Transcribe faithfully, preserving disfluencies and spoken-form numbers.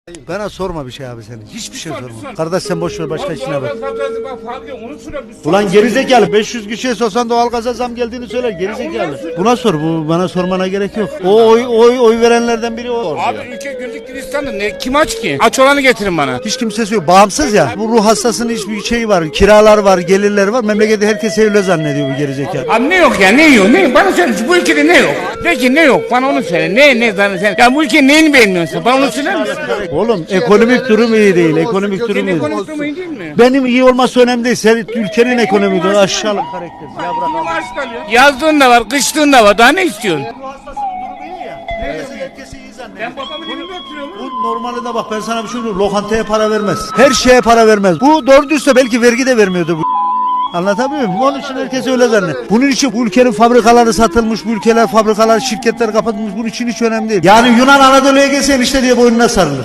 Bana sorma bir şey abi senin. Hiçbir şey sorma. Kardeş sen boş ver başka işine bak. Ulan gerizekalı beş yüz kişiye sorsan doğalgaza zam geldiğini söyler gerizekalı. Buna sor, bu bana sormana gerek yok. O oy oy oy verenlerden biri o. Abi ülke güllük gülistanlı ne kim aç ki? Aç olanı getirin bana. Hiç kimsesi yok. Bağımsız ya. Bu ruh hastasının hiçbir şey var. Kiralar var, gelirler var. Memlekette herkes evli zannediyor bu gerizekalı. Abi ne yok ya ne yok ne? Bana söyle bu ülkede ne yok? Peki ne yok? Bana onu söyle. Ne ne bana sen? Ya bu ülkenin neyini beğenmiyorsun sen? Bana onu söyler misin? Oğlum ekonomik durum iyi değil. Ekonomik durum iyi değil. Ekonomik durum iyi değil mi? Benim iyi olması önemli değil. Sen ülkenin ekonomik durumu aşağılık karakter. Ya bırak. Maaş kalıyor. Yazdığın da var, kıştığın da var. Daha ne istiyorsun? Ruh hastasının durumu iyi ya. Herkes herkesi iyi zannediyor. Ben babamın evinde oturuyorum. Bu normalde bak ben sana bir şey söyleyeyim. Lokantaya para vermez. Her şeye para vermez. Bu doğru dürüstse belki vergi de vermiyordu bu. Anlatabiliyor muyum? Onun için herkes öyle zannediyor. Bunun için bu ülkenin fabrikaları satılmış, bu ülkeler fabrikalar, şirketler kapatılmış. Bunun için hiç önemli değil. Yani Yunan Anadolu'ya gelse işte diye boynuna sarılır.